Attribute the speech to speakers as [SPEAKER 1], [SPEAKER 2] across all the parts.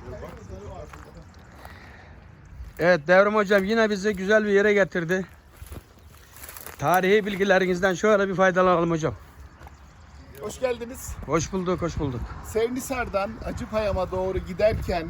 [SPEAKER 1] Evet Devrim hocam yine bizi güzel bir yere getirdi. Tarihi bilgilerinizden şöyle bir faydalanalım hocam.
[SPEAKER 2] Hoş geldiniz.
[SPEAKER 1] Hoş bulduk, hoş bulduk.
[SPEAKER 2] Sevnisar'dan Acıpayam'a doğru giderken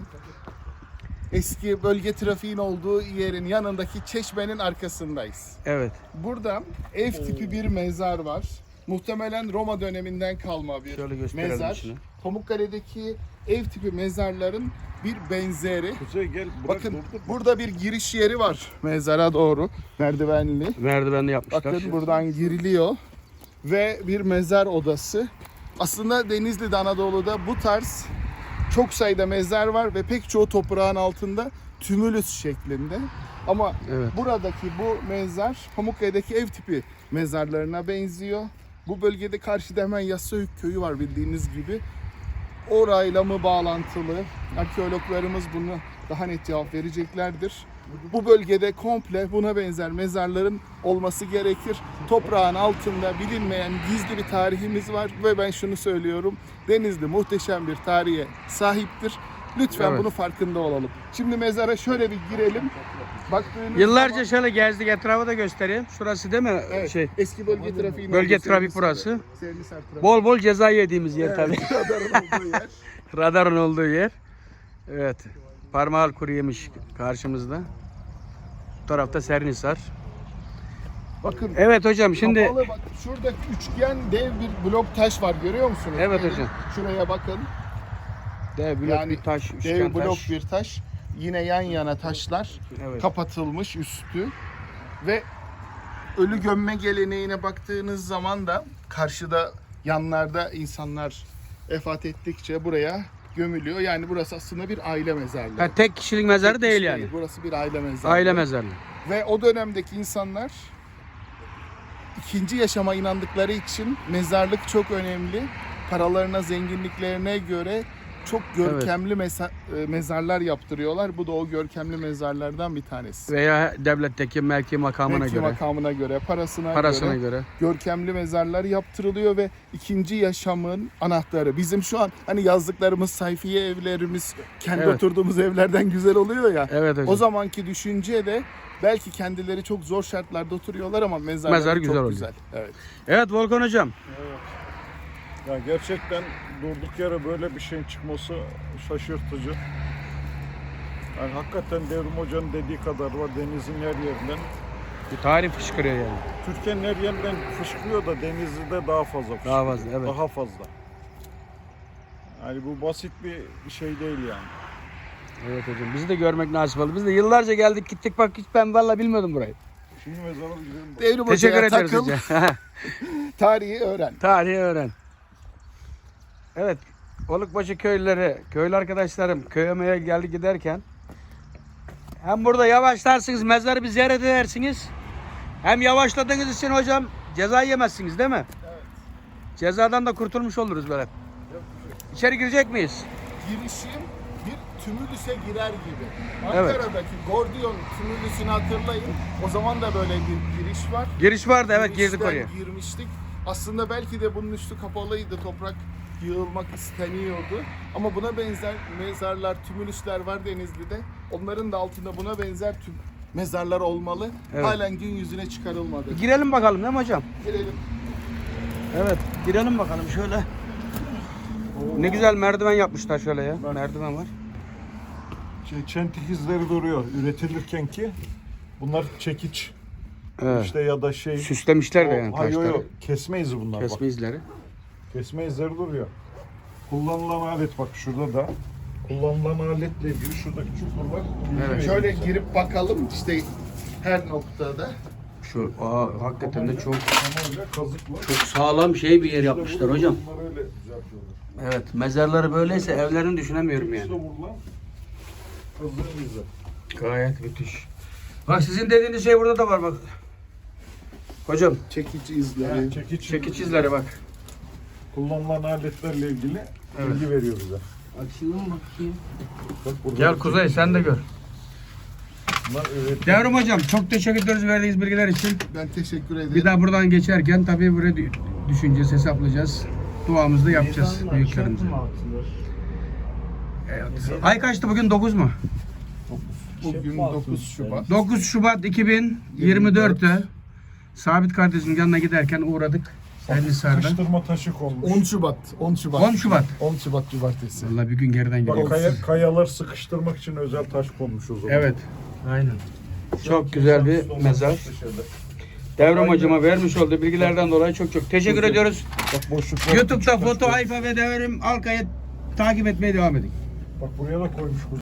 [SPEAKER 2] eski bölge trafiğin olduğu yerin yanındaki çeşmenin arkasındayız.
[SPEAKER 1] Evet.
[SPEAKER 2] Burada ev tipi bir mezar var. Muhtemelen Roma döneminden kalma bir
[SPEAKER 1] Şöyle gösterelim
[SPEAKER 2] mezar.
[SPEAKER 1] içini.
[SPEAKER 2] Pamukkale'deki ev tipi mezarların bir benzeri.
[SPEAKER 3] Kuzey gel bırak,
[SPEAKER 2] Bakın
[SPEAKER 3] durdur.
[SPEAKER 2] burada bir giriş yeri var mezara doğru. Merdivenli.
[SPEAKER 1] Merdivenli yapmışlar.
[SPEAKER 2] Bakın buradan giriliyor ve bir mezar odası. Aslında Denizli'de, Anadolu'da bu tarz çok sayıda mezar var ve pek çoğu toprağın altında tümülüs şeklinde. Ama
[SPEAKER 1] Evet.
[SPEAKER 2] buradaki bu mezar Pamukkale'deki ev tipi mezarlarına benziyor. Bu bölgede karşıda hemen Yassıhük köyü var bildiğiniz gibi. Orayla mı bağlantılı? Arkeologlarımız bunu daha net cevap vereceklerdir. Bu bölgede komple buna benzer mezarların olması gerekir. Toprağın altında bilinmeyen gizli bir tarihimiz var ve ben şunu söylüyorum. Denizli muhteşem bir tarihe sahiptir. Lütfen
[SPEAKER 1] Evet.
[SPEAKER 2] bunun farkında olalım. Şimdi mezara şöyle bir girelim. Baktığınız
[SPEAKER 1] Yıllarca
[SPEAKER 2] zaman-
[SPEAKER 1] şöyle gezdik, etrafı da göstereyim. Şurası değil mi?
[SPEAKER 2] Evet,
[SPEAKER 1] Şey.
[SPEAKER 2] eski bölge trafiği.
[SPEAKER 1] Bölge trafik burası.
[SPEAKER 2] Bol
[SPEAKER 1] Bol bol ceza yediğimiz yer tabii.
[SPEAKER 2] olduğu yer.
[SPEAKER 1] Radarın olduğu yer. Evet. Parmağı kuru yemiş karşımızda. Bu tarafta Sernisar.
[SPEAKER 2] Bakın.
[SPEAKER 1] Evet hocam şimdi
[SPEAKER 2] Kapalı, bak, şurada üçgen dev bir blok taş var, görüyor musunuz?
[SPEAKER 1] Evet
[SPEAKER 2] Gelin,
[SPEAKER 1] hocam.
[SPEAKER 2] Şuraya bakın.
[SPEAKER 1] dev blok
[SPEAKER 2] Yani
[SPEAKER 1] bir taş,
[SPEAKER 2] Dev
[SPEAKER 1] üçgen
[SPEAKER 2] blok
[SPEAKER 1] taş.
[SPEAKER 2] bir taş. Yine yan yana taşlar.
[SPEAKER 1] Evet.
[SPEAKER 2] Kapatılmış üstü. Ve ölü gömme geleneğine baktığınız zaman da karşıda yanlarda insanlar vefat ettikçe buraya gömülüyor. Yani burası aslında bir aile mezarlığı.
[SPEAKER 1] Ha, tek kişilik mezarı
[SPEAKER 2] Tek
[SPEAKER 1] değil
[SPEAKER 2] kişi
[SPEAKER 1] yani.
[SPEAKER 2] Burası bir aile mezarlığı.
[SPEAKER 1] Aile mezarlığı.
[SPEAKER 2] Ve o dönemdeki insanlar ikinci yaşama inandıkları için mezarlık çok önemli. Paralarına, zenginliklerine göre çok görkemli mezarlar yaptırıyorlar. Bu da o görkemli mezarlardan bir tanesi.
[SPEAKER 1] Veya devletteki mevki makamına
[SPEAKER 2] Mevki
[SPEAKER 1] göre.
[SPEAKER 2] makamına göre,
[SPEAKER 1] Parasına göre.
[SPEAKER 2] görkemli mezarlar yaptırılıyor ve ikinci yaşamın anahtarı. Bizim şu an hani yazdıklarımız sayfiye evlerimiz kendi
[SPEAKER 1] Evet.
[SPEAKER 2] oturduğumuz evlerden güzel oluyor ya.
[SPEAKER 1] Evet hocam.
[SPEAKER 2] O zamanki düşünce de belki kendileri çok zor şartlarda oturuyorlar ama mezarları
[SPEAKER 1] Mezar güzel
[SPEAKER 2] çok
[SPEAKER 1] oluyor.
[SPEAKER 2] güzel. Evet.
[SPEAKER 1] Evet Volkan hocam.
[SPEAKER 3] Ya gerçekten durduk yere böyle bir şeyin çıkması şaşırtıcı. Yani hakikaten Devrim Hoca'nın dediği kadar var denizin her yerinden.
[SPEAKER 1] Bir tarih fışkırıyor yani.
[SPEAKER 3] Türkiye'nin her yerinden fışkırıyor da Denizli'de daha fazla fışkırıyor.
[SPEAKER 1] Daha fazla, evet.
[SPEAKER 3] Daha fazla. Yani bu basit bir şey değil yani.
[SPEAKER 1] Evet hocam. Bizi de görmek nasip oldu. Biz de yıllarca geldik gittik bak hiç ben vallahi bilmiyordum burayı.
[SPEAKER 3] Şimdi mezara gidelim.
[SPEAKER 2] Devrim
[SPEAKER 1] Teşekkür
[SPEAKER 2] Hoca'ya
[SPEAKER 1] ederiz
[SPEAKER 2] takıl,
[SPEAKER 1] hocam.
[SPEAKER 2] tarihi öğren.
[SPEAKER 1] Tarihi öğren. Evet. Olukbaşı köylüleri, köylü arkadaşlarım köye geldi giderken hem burada yavaşlarsınız, mezarı bir ziyaret edersiniz. Hem yavaşladığınız için hocam ceza yemezsiniz değil mi?
[SPEAKER 2] Evet.
[SPEAKER 1] Cezadan da kurtulmuş oluruz böyle. İçeri girecek miyiz?
[SPEAKER 2] Girişim bir tümülüse girer gibi.
[SPEAKER 1] Evet.
[SPEAKER 2] Ankara'daki Gordiyon tümülüsünü hatırlayın. O zaman da böyle bir giriş var.
[SPEAKER 1] Giriş vardı evet girdik
[SPEAKER 2] Girişten
[SPEAKER 1] oraya.
[SPEAKER 2] girmiştik. Aslında belki de bunun üstü kapalıydı. Toprak yığılmak isteniyordu. Ama buna benzer mezarlar, tümülüsler var Denizli'de. Onların da altında buna benzer mezarlar olmalı.
[SPEAKER 1] Evet.
[SPEAKER 2] Halen gün yüzüne çıkarılmadı.
[SPEAKER 1] Girelim bakalım değil mi hocam?
[SPEAKER 2] Girelim.
[SPEAKER 1] Evet girelim bakalım şöyle. Ne güzel merdiven yapmışlar şöyle ya. Merdiven var.
[SPEAKER 3] Çentik izleri duruyor üretilirken ki. Bunlar çekiç.
[SPEAKER 1] Evet.
[SPEAKER 3] İşte ya da şey.
[SPEAKER 1] Süslemişler de yani
[SPEAKER 3] Hayır,
[SPEAKER 1] taşları.
[SPEAKER 3] yok. Kesme izi bunlar bak.
[SPEAKER 1] Kesme izleri.
[SPEAKER 3] Kesme izleri duruyor. Kullanılan alet bak şurada da. Kullanılan aletle ilgili şuradaki çukurlar.
[SPEAKER 1] Evet.
[SPEAKER 2] Şöyle girip bakalım işte her noktada.
[SPEAKER 1] Şu hakikaten de çok
[SPEAKER 3] Tamamıyla kazıkla.
[SPEAKER 1] çok sağlam şey bir yer yapmışlar
[SPEAKER 3] İşte
[SPEAKER 1] hocam.
[SPEAKER 3] bunlar öyle düzeltiyorlar.
[SPEAKER 1] Evet mezarları böyleyse evlerini düşünemiyorum
[SPEAKER 3] İşte
[SPEAKER 1] yani.
[SPEAKER 3] vurulan kazığın izi.
[SPEAKER 1] Gayet müthiş. Bak sizin dediğiniz şey burada da var bak. Hocam
[SPEAKER 2] Çekiç izleri.
[SPEAKER 3] Yani
[SPEAKER 1] çekiç izleri bak.
[SPEAKER 3] Kullanılan aletlerle ilgili
[SPEAKER 1] Evet.
[SPEAKER 3] bilgi veriyor bize.
[SPEAKER 1] Açayım bakayım.
[SPEAKER 3] Bak burada
[SPEAKER 1] Gel Kuzey sen de gör.
[SPEAKER 3] bunlar üretim.
[SPEAKER 1] Devrim hocam çok teşekkür ederiz verdiğiniz bilgiler için.
[SPEAKER 2] Ben teşekkür ederim.
[SPEAKER 1] Bir daha buradan geçerken tabii buraya düşüneceğiz, hesaplayacağız. Duamızı da yapacağız büyüklerimize. Ay kaçtı bugün 9 mu?
[SPEAKER 2] Bugün 9 Şubat.
[SPEAKER 1] 9 Şubat 2024'te Sabit kardeşim yanına giderken uğradık. Ellisar'da.
[SPEAKER 3] Sıkıştırma taşı konmuş.
[SPEAKER 2] 10 Şubat. 10 Şubat.
[SPEAKER 1] 10 Şubat.
[SPEAKER 2] 10 Şubat Cumartesi.
[SPEAKER 1] Vallahi bir gün geriden
[SPEAKER 3] Bak,
[SPEAKER 1] geliyoruz.
[SPEAKER 3] kayalar sıkıştırmak için özel taş konmuş o zaman.
[SPEAKER 1] Evet. Aynen. Çok güzel bir mezar. Devrim hocama vermiş olduğu bilgilerden dolayı çok teşekkür ediyoruz.
[SPEAKER 3] Bak boşluklar.
[SPEAKER 1] YouTube'da Foto Hayfa ve Devrim Alkay'ı takip etmeye devam edin.
[SPEAKER 3] Bak buraya da koymuş.